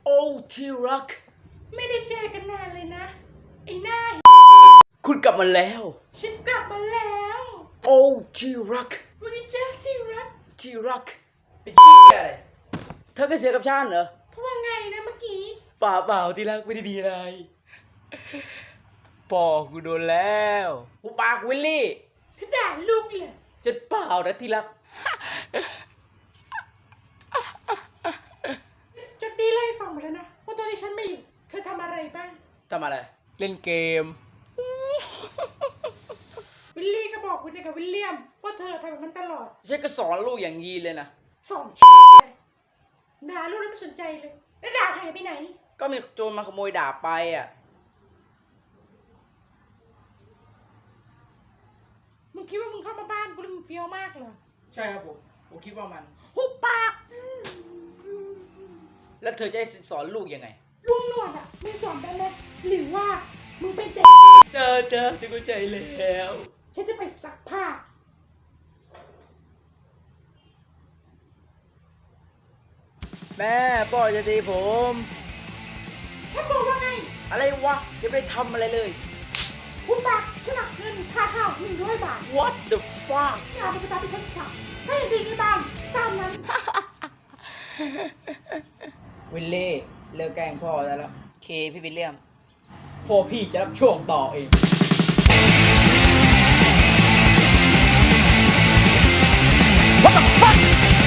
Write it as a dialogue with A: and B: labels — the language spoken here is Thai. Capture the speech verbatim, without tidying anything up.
A: โอ้ที่รัก
B: ไม่ได้เจอกันนานเลยนะไอ้หน้า
A: คุณกลับมาแล้ว
B: ฉันกลับมาแล้ว
A: โอ้ที่รัก
B: วันนี้เจ้าที่รัก
A: ที่รักเป็นชี้อะไรเธอก็เสียกับฉันเหรอ
B: เพราะว่าไงนะเมื่อกี้
A: เปล่าเปล่าที่รักไม่ได้มีอะไรพ่อกูโดนแล้วกูปากวิลลี่
B: เธอด่าลูกเลย
A: จะเปล่านะที่รัก
B: จดดีไล่ฟังหมดแล้วนะว่าตอนที่ฉันไม่อยู่เธอทำอะไรบ้าง
A: ทำอะไรเล่นเกม
B: วิลลี่ก็บอกคุณกับวิลเลียมว่าเธอทำแบบนั้นตลอด
A: ฉันก็สอนลูกอย่างยีเลยนะ
B: สอนด่าลูกแล้วไม่สนใจเลยแล้วดาบหายไปไหน
A: ก็มีโจรมาขโมยดาบไปอ่ะ
B: มึงคิดว่ามึงเข้ามาบ้านกูแล้วมึงเฟี้ยวมากเหรอ
A: ใช่ครับผมผมคิดว่ามัน
B: หุบปาก
A: แล้วเธอจะสอนลูกยังไง
B: ลุงหนวดอ่ะไม่สอนได้เลยหรือว่ามึงเป็นเด็ก
A: เจอเจอจะเข้าใจแล้ว
B: ฉันจะไปซักผ้า
A: แม่พ่อจะตีผม
B: ฉันบอกว่าไง
A: อะไรวะยังไม่ได้ทำอะไรเลย
B: คุณปากฉันหักเงินค่าข้าวหนึ่งร้อยบาท
A: What the fuck
B: งานเป็นไปตามที่ฉันสั่งถ้าอย่างดีในบ้านตามนั้น
A: วิลเล่เลิกแกล้งพ่อได้แล้วเคพี่วิลเลียมพ่อพี่จะรับช่วงต่อเอง What the fuck